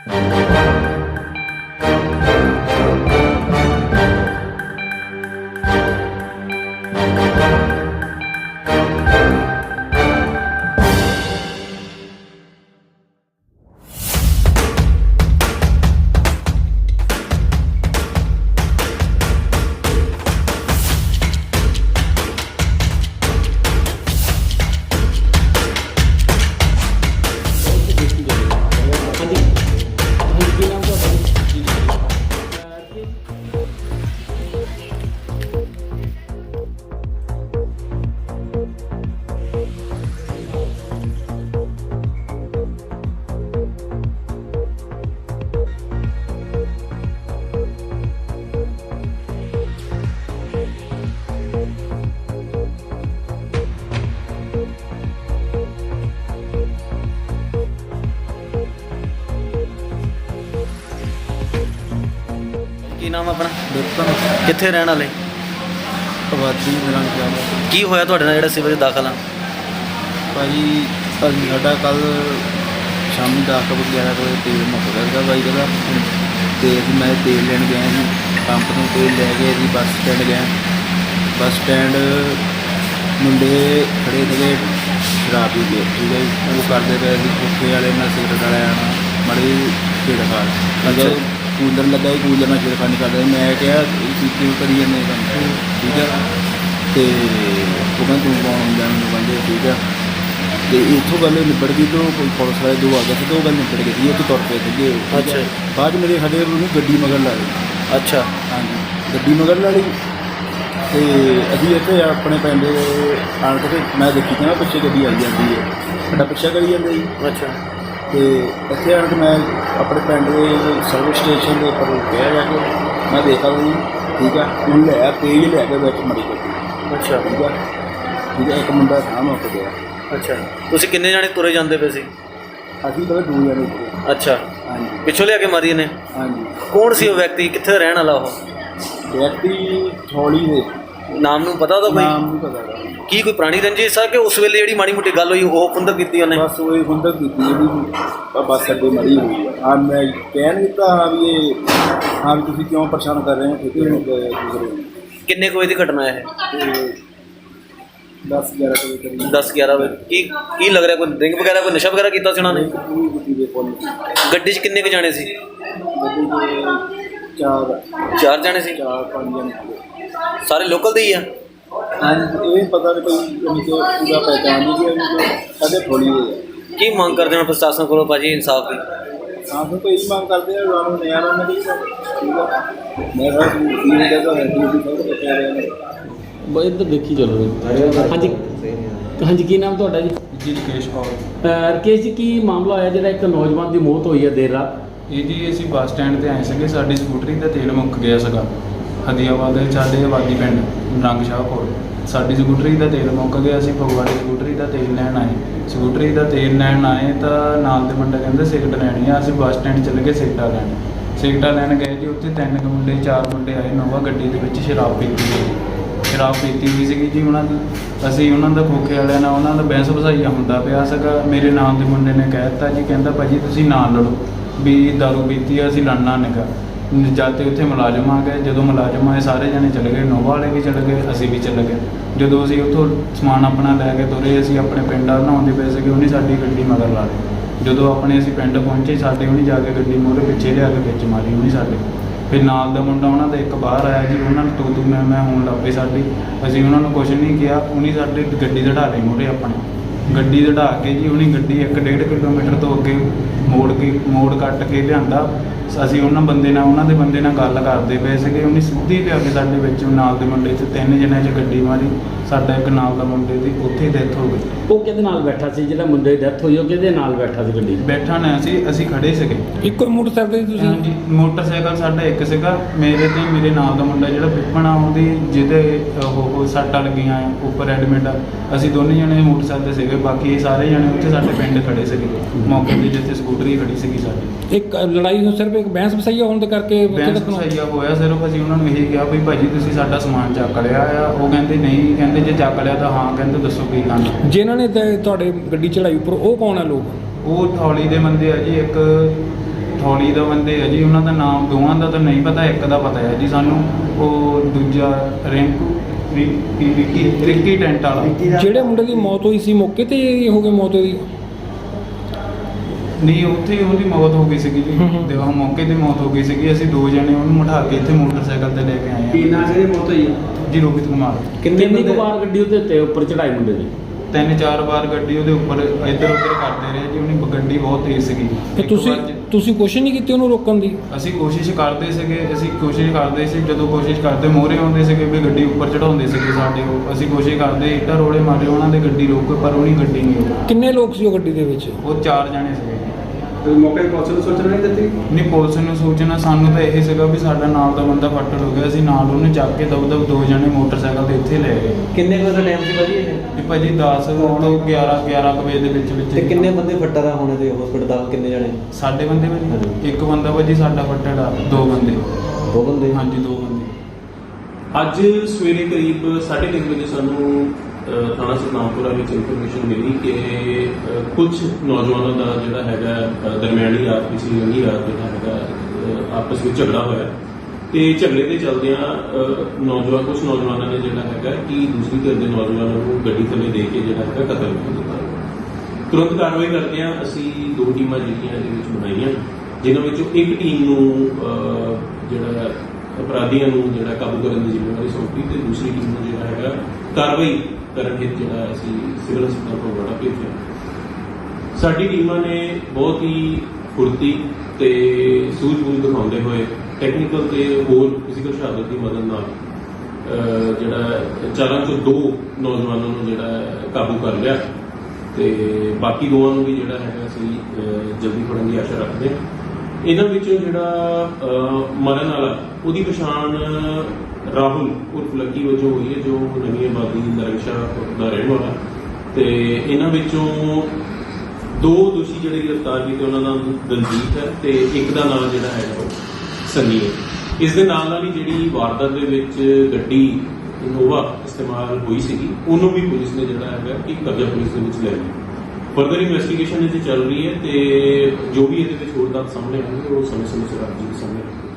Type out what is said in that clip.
ਕੀ ਨਾਮ ਆਪਣਾ? ਕਿੱਥੇ ਰਹਿਣ ਵਾਲੇ? ਆਬਾਦੀ ਨਿਰੰਗ। ਕੀ ਹੋਇਆ ਤੁਹਾਡੇ ਨਾਲ ਜਿਹੜਾ ਸਿਵਲ 'ਚ ਦਾਖਲ ਆ? ਭਾਜੀ ਅਸੀਂ ਸਾਡਾ ਕੱਲ ਸ਼ਾਮੀ 10 ਵਜੇ 11 ਵਜੇ ਤੇਲ ਮੁੱਕ ਗਿਆ ਸੀਗਾ ਬਾਈਕ ਦਾ, ਅਤੇ ਅਸੀਂ ਮੈਂ ਤੇਲ ਲੈਣ ਗਿਆ ਸੀ ਪੰਪ ਤੋਂ, ਤੇਲ ਲੈ ਕੇ ਅਸੀਂ ਬੱਸ ਸਟੈਂਡ ਗਏ। ਬੱਸ ਸਟੈਂਡ ਮੁੰਡੇ ਖੜ੍ਹੇ ਸੀਗੇ ਸ਼ਰਾਬ ਪੀ ਕੇ, ਠੀਕ ਹੈ ਜੀ। ਉਹ ਕਰਦੇ ਪਏ ਸੀ ਖੋਖੇ ਵਾਲੇ ਨਾਲ ਸਿਗਰਟ ਵਾਲਿਆਂ ਨਾਲ ਮਾੜੀ ਛੇੜਖਾੜ। ਅੱਛਾ, ਕੂਲਰ ਲੱਗਾ ਸੀ, ਕੂਲਰ ਨਾਲ ਛੇੜਖਾਨੀ ਕਰਦੇ। ਮੈਂ ਕਿਹਾ ਤੁਸੀਂ ਕਿਉਂ ਕਰੀ ਜਾਂਦੇ ਕੰਮ, ਠੀਕ ਹੈ। ਅਤੇ ਉਹ ਕਹਿੰਦੇ ਤੂੰ ਕੌਣ ਹੁੰਦਾ ਮੈਨੂੰ ਕਹਿੰਦੇ, ਠੀਕ ਹੈ। ਅਤੇ ਇੱਥੋਂ ਗੱਲ ਨਿਬੜ ਗਈ ਅਤੇ ਉਹ ਪੁਲਿਸ ਵਾਲੇ ਦੋ ਆ ਗਏ ਸੀ ਅਤੇ ਉਹ ਗੱਲ ਨਿਬੜ ਗਈ ਸੀ, ਉੱਥੇ ਤੁਰ ਪਏ ਸੀਗੇ। ਅੱਛਾ, ਬਾਅਦ 'ਚ ਮੇਰੇ ਸਾਡੇ ਉਹਨੂੰ ਗੱਡੀ ਮਗਰ ਲਾ ਲਈ। ਅੱਛਾ, ਹਾਂਜੀ, ਗੱਡੀ ਮਗਰ ਲਾ ਲਈ। ਅਤੇ ਅਸੀਂ ਇੱਥੇ ਆਪਣੇ ਪਿੰਡ ਆਣ ਕੇ ਮੈਂ ਦੇਖੀ ਕਿ ਨਾ ਪਿੱਛੇ ਗੱਡੀ ਆਈ ਜਾਂਦੀ ਹੈ, ਸਾਡਾ ਪਿੱਛਾ ਕਰੀ ਜਾਂਦੇ ਜੀ। ਅੱਛਾ, ਅਤੇ ਇੱਥੇ ਆਣ ਕੇ ਮੈਂ ਆਪਣੇ ਪਿੰਡ ਦੇ ਸਰਵਿਸ ਸਟੇਸ਼ਨ ਦੇ ਉੱਪਰ ਰੁਕਿਆ ਜਾ ਕੇ, ਮੈਂ ਦੇਖਾ ਵੀ ਠੀਕ ਆ, ਉਹਨੂੰ ਲਿਆ ਤੇਜ਼ ਲਿਆ ਕੇ ਵਿੱਚ ਮੜੀ ਗੱਡੀ। ਅੱਛਾ, ਠੀਕ ਆ, ਠੀਕ ਹੈ। ਇੱਕ ਮੁੰਡਾ ਸਾਹਮਣੇ ਉੱਠ ਗਿਆ। ਅੱਛਾ, ਤੁਸੀਂ ਕਿੰਨੇ ਜਾਣੇ ਤੁਰੇ ਜਾਂਦੇ ਪਏ ਸੀ? ਅਸੀਂ ਤਾਂ ਦੋ ਜਣੇ ਸੀਗੇ। ਅੱਛਾ, ਹਾਂਜੀ, ਪਿੱਛੋਂ ਲਿਆ ਕੇ ਮਾਰੀ ਇਹਨੇ? ਹਾਂਜੀ। ਕੌਣ ਸੀ ਉਹ ਵਿਅਕਤੀ, ਕਿੱਥੇ ਰਹਿਣ ਵਾਲਾ ਉਹ? ਵਿਅਕਤੀ ਥੋੜੀ ਦੇ ਨਾਮ ਨੂੰ ਪਤਾ ਉਹਦਾ ਕੋਈ? ਨਾਮ ਨਹੀਂ ਪਤਾ ਗਾ। ਕੀ ਕੋਈ ਪੁਰਾਣੀ ਰੰਜਿਸ਼ ਆ ਕਿ ਉਸ ਵੇਲੇ ਜਿਹੜੀ ਮਾੜੀ ਮੋਟੀ ਗੱਲ ਹੋਈ ਉਹ ਖੁੰਦਕ ਕੀਤੀ ਉਹਨੇ? ਬਸ ਉਹ ਹੀ ਹੁੰਦਕ ਕੀਤੀ ਜਿਹੜੀ ਬੱਸ ਅੱਡੇ ਮੜੀ ਹੋਈ ਆ। ਹਾਂ, ਮੈਂ ਕਹਿ ਨਹੀਂ ਦਿੱਤਾ ਹਾਂ ਵੀ ਇਹ ਹਾਂ ਵੀ ਤੁਸੀਂ ਕਿਉਂ ਪਰੇਸ਼ਾਨ ਕਰ ਰਹੇ ਹੋ, ਠੀਕ ਹੈ ਦੂਸਰੇ। ਕਿੰਨੇ ਕੁ ਵਜੇ ਦੀ ਘਟਨਾ ਇਹ? 10-11 ਵਜੇ ਕਰੀਬ। 10-11 ਵਜੇ। ਕੀ ਲੱਗ ਰਿਹਾ, ਕੋਈ ਡਰਿੰਕ ਵਗੈਰਾ, ਕੋਈ ਨਸ਼ਾ ਵਗੈਰਾ ਕੀਤਾ ਸੀ ਉਹਨਾਂ ਨੇ? ਪੂਰੀ ਗੱਡੀ ਦੇ ਕੋਲ ਗੱਡੀ 'ਚ ਕਿੰਨੇ ਕੁ ਜਾਣੇ ਸੀ? ਗੱਡੀ ਦੇ 4 ਜਾਣੇ ਸੀ? 4-5 ਜਣੇ ਸੀਗੇ। ਸਾਰੇ ਲੋਕਲ ਦੇ ਹੀ ਆ? ਹਾਂਜੀ, ਇਹ ਪਤਾ ਨਹੀਂ ਕੋਈ ਉਹਨੂੰ ਪੂਰਾ ਪਹਿਚਾਣ ਨਹੀਂ ਕਿ ਉਹਨੂੰ ਕਦੇ ਥੋੜੀ ਹੋਈ ਹੈ। ਕੀ ਮੰਗ ਕਰਦੇ ਹੋ ਪ੍ਰਸ਼ਾਸਨ ਕੋਲੋਂ ਭਾਜੀ ਇਨਸਾਫ ਦੀ? ਹਾਂ, ਫਿਰ ਕੋਈ ਮੰਗ ਕਰਦੇ ਆ ਰਾਣੂ ਨਿਆਣਾ ਨਹੀਂ ਠੀਕ ਹੈ। ਮੈਂ ਸਰ ਇਹ ਜਗ੍ਹਾ ਹੈ ਕਿ ਸਭ ਤੋਂ ਕਹਿ ਰਹੇ ਨੇ ਬਈ ਇੱਧਰ ਦੇਖੀ ਚਲੋ। ਹਾਂਜੀ, ਹਾਂਜੀ, ਕੀ ਨਾਮ ਤੁਹਾਡਾ ਜੀ? ਜੀ ਰਕੇਸ਼ ਕੌਰ। ਰਕੇਸ਼ ਜੀ, ਕੀ ਮਾਮਲਾ ਹੋਇਆ ਜਿਹੜਾ ਇੱਕ ਨੌਜਵਾਨ ਦੀ ਮੌਤ ਹੋਈ ਹੈ ਦੇਰ ਰਾਤ? ਇਹ ਜੀ ਅਸੀਂ ਬੱਸ ਸਟੈਂਡ 'ਤੇ ਆਏ ਸੀਗੇ, ਸਾਡੀ ਸਕੂਟਰੀ ਦਾ ਤੇਲ ਮੁੱਕ ਗਿਆ ਸੀਗਾ। ਹਦੀਆਬਾਦ ਦੇ ਸਾਡੇ ਆਬਾਦੀ ਪਿੰਡ ਨਿਰੰਗ ਕੋਲ ਸਾਡੀ ਸਕੂਟਰੀ ਦਾ ਤੇਲ ਮੁੱਕ ਗਿਆ। ਅਸੀਂ ਫਗਵਾੜੇ ਸਕੂਟਰੀ ਦਾ ਤੇਲ ਲੈਣ ਆਏ। ਸਕੂਟਰੀ ਦਾ ਤੇਲ ਲੈਣ ਆਏ ਤਾਂ ਨਾਲ ਦੇ ਮੁੰਡੇ ਕਹਿੰਦੇ ਸਿਗਰਟ ਲੈਣੀ ਆ। ਅਸੀਂ ਬੱਸ ਸਟੈਂਡ ਚੱਲ ਗਏ ਸਿਗਰਟਾਂ ਲੈਣ। ਸਿਗਰਟਾਂ ਲੈਣ ਗਏ ਜੀ, ਉੱਥੇ 3 ਮੁੰਡੇ 4 ਮੁੰਡੇ ਆਏ ਨੋਵਾ ਗੱਡੀ ਦੇ ਵਿੱਚ ਸ਼ਰਾਬ ਪੀਤੀ ਹੋਈ ਸੀਗੀ ਜੀ ਉਹਨਾਂ ਦੀ। ਅਸੀਂ ਉਹਨਾਂ ਦਾ ਖੋਖੇ ਵਾਲਿਆਂ ਨਾਲ ਉਹਨਾਂ ਦਾ ਬਹਿਸ ਵਸਾਈਆ ਹੁੰਦਾ ਪਿਆ ਸੀਗਾ। ਮੇਰੇ ਨਾਲ ਦੇ ਮੁੰਡੇ ਨੇ ਕਹਿ ਦਿੱਤਾ ਜੀ, ਕਹਿੰਦਾ ਭਾਜੀ ਤੁਸੀਂ ਨਾ ਲੜੋ ਵੀ ਦਾਰੂ ਪੀਤੀ ਆ, ਅਸੀਂ ਲੜਨਾ ਨਿਗਾ। ਜਦ ਤੇ ਉੱਥੇ ਮੁਲਾਜ਼ਮ ਆ ਗਏ। ਜਦੋਂ ਮੁਲਾਜ਼ਮ ਆਏ ਸਾਰੇ ਜਣੇ ਚਲੇ ਗਏ, ਨੋਵਾ ਵਾਲੇ ਵੀ ਚਲੇ ਗਏ, ਅਸੀਂ ਵੀ ਚਲੇ ਗਏ। ਜਦੋਂ ਅਸੀਂ ਉੱਥੋਂ ਸਮਾਨ ਆਪਣਾ ਲੈ ਕੇ ਤੁਰੇ, ਅਸੀਂ ਆਪਣੇ ਪਿੰਡ ਨਹਾਉਂਦੇ ਪਏ ਸੀਗੇ, ਉਹਨੇ ਸਾਡੀ ਗੱਡੀ ਮਗਰ ਲਾ ਲਈ। ਜਦੋਂ ਆਪਣੇ ਅਸੀਂ ਪਿੰਡ ਪਹੁੰਚੇ, ਸਾਡੇ ਉਹਨੇ ਜਾ ਕੇ ਗੱਡੀ ਮੋਹਰੇ ਪਿੱਛੇ ਲਿਆ ਕੇ ਵਿੱਚ ਮਾਰੀ ਉਹਨੇ ਸਾਡੇ। ਫਿਰ ਨਾਲ ਦਾ ਮੁੰਡਾ ਉਹਨਾਂ ਦਾ ਇੱਕ ਬਾਹਰ ਆਇਆ ਜੀ, ਉਹਨਾਂ ਨੂੰ ਤੂੰ ਮੈਂ ਹੋਣ ਲੱਗ ਪਈ ਸਾਡੀ। ਅਸੀਂ ਉਹਨਾਂ ਨੂੰ ਕੁਛ ਨਹੀਂ ਕਿਹਾ, ਉਹਨੇ ਸਾਡੇ ਗੱਡੀ ਦੜਾ ਲਈ ਮੋਹਰੇ ਆਪਣੀ ਗੱਡੀ ਦੜਾ ਕੇ ਜੀ। ਉਹਨੇ ਗੱਡੀ 1-1.5 ਕਿਲੋਮੀਟਰ ਤੋਂ ਅੱਗੇ ਮੋੜ ਕੱਟ ਕੇ ਲਿਆਂਦਾ। ਅਸੀਂ ਉਹਨਾਂ ਦੇ ਬੰਦੇ ਨਾਲ ਗੱਲ ਕਰਦੇ ਪਏ ਸੀਗੇ, ਉਹਨੇ ਸਿੱਧੀ ਲਿਆ ਕੇ ਸਾਡੇ ਵਿੱਚ ਨਾਲ ਦੇ ਮੁੰਡੇ 'ਚ 3 ਜਣਿਆਂ 'ਚ ਗੱਡੀ ਮਾਰੀ। ਸਾਡਾ ਇੱਕ ਨਾਲ ਦਾ ਮੁੰਡੇ ਦੀ ਉੱਥੇ ਡੈਥ ਹੋ ਗਈ। ਉਹ ਕਿਹਦੇ ਨਾਲ ਬੈਠਾ ਸੀ? ਜਿਹੜਾ ਮੁੰਡੇ ਦੀ ਡੈਥ ਹੋਈ ਉਹ ਕਿਹਦੇ ਨਾਲ ਬੈਠਾ ਸੀ ਗੱਡੀ 'ਚ? ਬੈਠਾ ਨਾ ਅਸੀਂ ਖੜੇ ਸੀਗੇ। ਇੱਕੋ ਮੋਟਰਸਾਈਕਲ ਤੁਸੀਂ? ਹਾਂਜੀ, ਮੋਟਰਸਾਈਕਲ ਸਾਡਾ ਇੱਕ ਸੀਗਾ। ਮੇਰੇ ਤੇ ਮੇਰੇ ਨਾਲ ਦਾ ਮੁੰਡਾ ਜਿਹੜਾ ਪਿੱਪਣਾ, ਉਹਦੀ ਜਿਹਦੇ ਉਹ ਸੱਟਾਂ ਲੱਗੀਆਂ ਉੱਪਰ ਐਡਮਿਟ ਆ। ਅਸੀਂ ਦੋਨੇ ਜਣੇ ਮੋਟਰਸਾਈਕਲ 'ਤੇ ਸੀਗੇ, ਬਾਕੀ ਸਾਰੇ ਜਣੇ ਉੱਥੇ ਸਾਡੇ ਪਿੰਡ ਖੜੇ ਸੀਗੇ ਮੌਕੇ 'ਤੇ, ਜਿੱਥੇ ਸਕੂਟਰੀ ਖੜੀ ਸੀਗੀ ਸਾਡੀ। ਇੱਕ ਲੜਾਈ ਸਿਰਫ ਇੱਕ ਬਹਿਸ ਵਸਾਈਆ ਹੋਣ ਦੇ ਕਰਕੇ ਬਹਿਸ ਵਸਾਈਆ ਹੋਇਆ ਸਿਰਫ। ਅਸੀਂ ਉਹਨਾਂ ਨੂੰ ਇਹੀ ਕਿਹਾ ਵੀ ਭਾਜੀ ਤੁਸੀਂ ਸਾਡਾ ਸਮਾਨ ਚੱਕ ਲਿਆ ਆ। ਉਹ ਕਹਿੰਦੇ ਨਹੀਂ, ਕਹਿੰਦੇ ਜੇ ਚੱਕ ਲਿਆ ਤਾਂ ਹਾਂ, ਕਹਿੰਦੇ ਦੱਸੋ ਕੀ ਕਰਨਾ। ਜਿਨ੍ਹਾਂ ਨੇ ਤੁਹਾਡੇ ਗੱਡੀ ਚੜਾਈ ਉੱਪਰ ਉਹ ਕੌਣ ਹੈ ਲੋਕ? ਉਹ ਥੌਲੀ ਦੇ ਬੰਦੇ ਆ ਜੀ। ਇੱਕ ਥੌਲੀ ਦਾ ਬੰਦੇ ਆ ਜੀ, ਉਹਨਾਂ ਦਾ ਨਾਮ ਦੋਵਾਂ ਦਾ ਤਾਂ ਨਹੀਂ ਪਤਾ, ਇੱਕ ਦਾ ਪਤਾ ਹੈ ਜੀ ਸਾਨੂੰ, ਉਹ ਦੂਜਾ ਰਿੱਕੀ ਟੈਂਟ ਵਾਲਾ। ਜਿਹੜੇ ਮੁੰਡੇ ਦੀ ਮੌਤ ਹੋਈ ਸੀ ਮੌਕੇ ਤੇ ਹੀ ਹੋ ਗਈ ਮੌਤ ਉਹਦੀ? ਨਹੀਂ, ਉੱਥੇ ਹੀ ਉਹਦੀ ਮੌਤ ਹੋ ਗਈ ਸੀਗੀ ਜੀ। ਤੇ ਉਹ ਮੌਕੇ ਤੇ ਮੌਤ ਹੋ ਗਈ ਸੀਗੀ। ਅਸੀਂ 2 ਜਣੇ ਉਹਨੂੰ ਉਠਾ ਕੇ ਇੱਥੇ ਮੋਟਰਸਾਈਕਲ ਤੇ ਲੈ ਕੇ ਆਏ ਕੀ ਹਾਂ। ਨਾਂ ਸੀ ਮੌਤ ਹੋਈ ਜੀ ਰੋਹਿਤ ਕੁਮਾਰ। ਕਿੰਨੀ ਕੁ ਵਾਰ ਗੱਡੀ ਉਹਦੇ ਉੱਤੇ ਉੱਪਰ ਚੜਾਈ ਮੁੰਡੇ ਦੀ? 3-4 ਵਾਰ ਗੱਡੀ ਉਹਦੇ ਉੱਪਰ ਇੱਧਰ ਉੱਧਰ ਕਰਦੇ ਰਹੇ ਜੀ। ਉਹਨੇ ਗੱਡੀ ਬਹੁਤ ਤੇਜ਼ ਸੀਗੀ। ਤੇ ਇੱਕ ਵਾਰ ਤੁਸੀਂ ਕੋਸ਼ਿਸ਼ ਨਹੀਂ ਕੀਤੀ ਉਹਨੂੰ ਰੋਕਣ ਦੀ? ਅਸੀਂ ਕੋਸ਼ਿਸ਼ ਕਰਦੇ ਸੀ, ਜਦੋਂ ਕੋਸ਼ਿਸ਼ ਕਰਦੇ ਮੋਹਰੇ ਆਉਂਦੇ ਸੀਗੇ ਵੀ ਗੱਡੀ ਉੱਪਰ ਚੜਾਉਂਦੇ ਸੀਗੇ ਸਾਡੇ ਉਹ। ਅਸੀਂ ਕੋਸ਼ਿਸ਼ ਕਰਦੇ, ਇੱਟਾਂ ਰੋੜੇ ਮਾਰੇ ਉਹਨਾਂ ਦੇ ਗੱਡੀ ਰੋਕ, ਪਰ ਉਹਨੀ ਗੱਡੀ ਨਹੀਂ ਰੋਕੀ। ਕਿੰਨੇ ਲੋਕ ਸੀ ਉਹ ਗੱਡੀ ਦੇ ਵਿੱਚ? ਉਹ 4 ਜਣੇ ਸੀਗੇ। ਮੌਕੇ ਪੁਲਿਸ ਨੂੰ ਸੂਚਨਾ ਨਹੀਂ ਦਿੱਤੀ? ਨਹੀਂ, ਪੁਲਿਸ ਨੂੰ ਸੂਚਨਾ, ਸਾਨੂੰ ਤਾਂ ਇਹ ਸੀਗਾ ਵੀ ਸਾਡਾ ਨਾਲ ਦਾ ਬੰਦਾ ਫੱਟੜ ਹੋ ਗਿਆ। ਅਸੀਂ ਨਾਲ ਉਹਨੂੰ ਚੱਕ ਕੇ ਦਬ 2 ਜਣੇ ਮੋਟਰਸਾਈਕਲ ਤੇ ਇੱਥੇ ਲੈ ਗਏ। ਕਿੰਨੇ ਵਜੇ ਦਾ ਟਾਈਮ ਸੀ ਭਾਜੀ ਇਹ? ਵੀ ਭਾਜੀ 10 ਤੋਂ 11 ਕੁ ਵਜੇ ਦੇ ਵਿੱਚ ਤੇ ਕਿੰਨੇ ਬੰਦੇ ਫੱਟੜ ਆ ਹੋਣੇ ਤੇ ਹਸਪੀਟਲ ਕਿੰਨੇ ਜਣੇ? ਸਾਡੇ ਬੰਦੇ ਭਾਜੀ ਹਾਂਜੀ। ਇੱਕ ਬੰਦਾ ਭਾਜੀ ਸਾਡਾ ਫੱਟੜ ਆ, 2 ਬੰਦੇ। 2 ਬੰਦੇ? ਹਾਂਜੀ 2 ਬੰਦੇ। ਅੱਜ ਸਵੇਰੇ ਕਰੀਬ 3:30 ਵਜੇ ਸਾਨੂੰ ਥਾਣਾ ਸਤਨਾਮਪੁਰਾ ਵਿੱਚ ਇਨਫੋਰਮੇਸ਼ਨ ਮਿਲੀ ਕਿ ਕੁਝ ਨੌਜਵਾਨਾਂ ਦਾ ਜਿਹੜਾ ਹੈਗਾ ਦਰਮਿਆਨੀ ਰਾਤ ਪਿਛਲੀ ਲੰਘੀ ਰਾਤ ਜਿਹੜਾ ਹੈਗਾ ਆਪਸ ਵਿੱਚ ਝਗੜਾ ਹੋਇਆ ਤੇ ਝਗੜੇ ਦੇ ਚੱਲਦਿਆਂ ਕੁਝ ਨੌਜਵਾਨਾਂ ਨੇ ਜਿਹੜਾ ਹੈਗਾ ਕਿ ਦੂਸਰੀ ਧਿਰ ਦੇ ਨੌਜਵਾਨਾਂ ਨੂੰ ਗੱਡੀ ਥੱਲੇ ਦੇ ਕੇ ਜਿਹੜਾ ਹੈਗਾ ਕਤਲ ਕਰ ਦਿੱਤਾ। ਤੁਰੰਤ ਕਾਰਵਾਈ ਕਰਦਿਆਂ ਅਸੀਂ 2 ਟੀਮਾਂ ਜਿਹੜੀਆਂ ਇਹਦੇ ਵਿੱਚ ਬਣਾਈਆਂ, ਜਿਨ੍ਹਾਂ ਵਿੱਚੋਂ ਇੱਕ ਟੀਮ ਨੂੰ ਜਿਹੜਾ ਅਪਰਾਧੀਆਂ ਨੂੰ ਜਿਹੜਾ ਕਾਬੂ ਕਰਨ ਦੀ ਜ਼ਿੰਮੇਵਾਰੀ ਸੌਂਪੀ ਤੇ ਦੂਸਰੀ ਟੀਮ ਨੂੰ ਜਿਹੜਾ ਹੈਗਾ ਕਾਰਵਾਈ ਕਰਨ ਹਿੱਤ ਜਿਹੜਾ ਅਸੀਂ ਸਿਵਲ ਹਸਪਤਾਲ ਫਗਵਾੜਾ ਭੇਜਿਆ। ਸਾਡੀ ਟੀਮਾਂ ਨੇ ਬਹੁਤ ਹੀ ਫੁਰਤੀ ਤੇ ਸੂਝ-ਬੂਝ ਦਿਖਾਉਂਦੇ ਹੋਏ ਟੈਕਨੀਕਲ ਤੇ ਹੋਰ ਫਿਜ਼ੀਕਲ ਸ਼ਹਾਦਤ ਦੀ ਮਦਦ ਨਾਲ ਜਿਹੜਾ 4 ਚੋਂ 2 ਨੌਜਵਾਨਾਂ ਨੂੰ ਜਿਹੜਾ ਕਾਬੂ ਕਰ ਲਿਆ ਤੇ ਬਾਕੀ 2 ਨੂੰ ਵੀ ਜਿਹੜਾ ਹੈਗਾ ਅਸੀਂ ਜਲਦੀ ਫੜਨ ਦੀ ਆਸ਼ਾ ਰੱਖਦੇ ਹਾਂ। ਇਹਨਾਂ ਵਿੱਚੋਂ ਜਿਹੜਾ ਮਰਨ ਵਾਲਾ ਉਹਦੀ ਪਛਾਣ ਰਾਹੁਲ ਉਰਫ ਲੱਕੀ ਵਜੋਂ ਹੋਈ ਹੈ, ਜੋ ਨਵੀਂ ਆਬਾਦੀ ਨਰੰਗਸ਼ਾਹ ਦਾ ਰਹਿਣ ਵਾਲਾ। ਤੇ ਇਹਨਾਂ ਵਿੱਚੋਂ 2 ਦੋਸ਼ੀ ਜਿਹੜੇ ਗ੍ਰਿਫਤਾਰ ਕੀਤੇ, ਉਹਨਾਂ ਦਾ ਦਲਜੀਤ ਹੈ ਤੇ ਇੱਕ ਦਾ ਨਾਮ ਜਿਹੜਾ ਹੈਗਾ ਉਹ ਸੰਨੀ ਹੈ। ਇਸ ਦੇ ਨਾਲ ਹੀ ਜਿਹੜੀ ਵਾਰਦਾਤ ਦੇ ਵਿੱਚ ਗੱਡੀ ਇਨੋਵਾ ਇਸਤੇਮਾਲ ਹੋਈ ਸੀਗੀ, ਉਹਨੂੰ ਵੀ ਪੁਲਿਸ ਨੇ ਜਿਹੜਾ ਹੈਗਾ ਕਿ ਕਬਜ਼ਾ ਪੁਲਿਸ ਦੇ ਵਿੱਚ ਲੈ ਲਿਆ। ਫਰਦਰ ਇਨਵੈਸਟੀਗੇਸ਼ਨ ਇਹਦੀ ਚੱਲ ਰਹੀ ਹੈ ਤੇ ਜੋ ਵੀ ਇਹਦੇ ਵਿੱਚ ਹੋਰ ਤੱਥ ਸਾਹਮਣੇ ਆਉਣਗੇ ਉਹ ਸਮੇਂ-ਸਮੇਂ ਸਿਰ ਆਪ ਜੀ ਦੇ ਸਾਹਮਣੇ